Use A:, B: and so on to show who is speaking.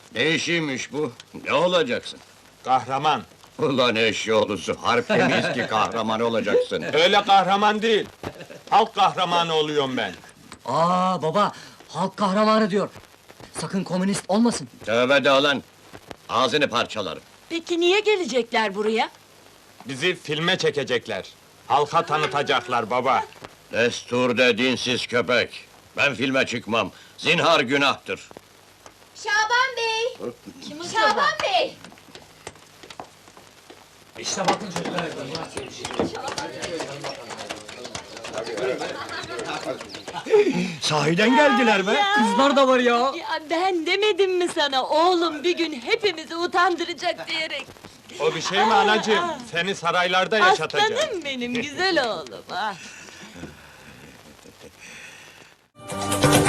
A: Ne işiymiş bu? Ne olacaksın?
B: Kahraman.
A: Ulan eşyoğlusu, harpte miyiz ki kahraman olacaksın?
B: Öyle kahraman değil. Halk kahramanı oluyorum ben.
C: Aa baba, halk kahramanı diyor. Sakın komünist olmasın.
A: Tövbe de lan! Ağzını parçalarım.
D: Peki niye gelecekler buraya?
B: Bizi filme çekecekler. Halka tanıtacaklar baba.
A: Destur de dinsiz köpek! Ben filme çıkmam, zinhar günahtır!
E: Şaban Bey!
D: Kim
E: Şaban Bey!
C: İşte bakın çocuklar.
A: Sahiden geldiler be!
C: Kızlar da var ya.
D: Ya ben demedim mi sana oğlum bir gün hepimizi utandıracak diyerek.
B: O bir şey mi anacığım? Seni saraylarda yaşatacağım.
D: Aslanım benim güzel oğlum. Ah.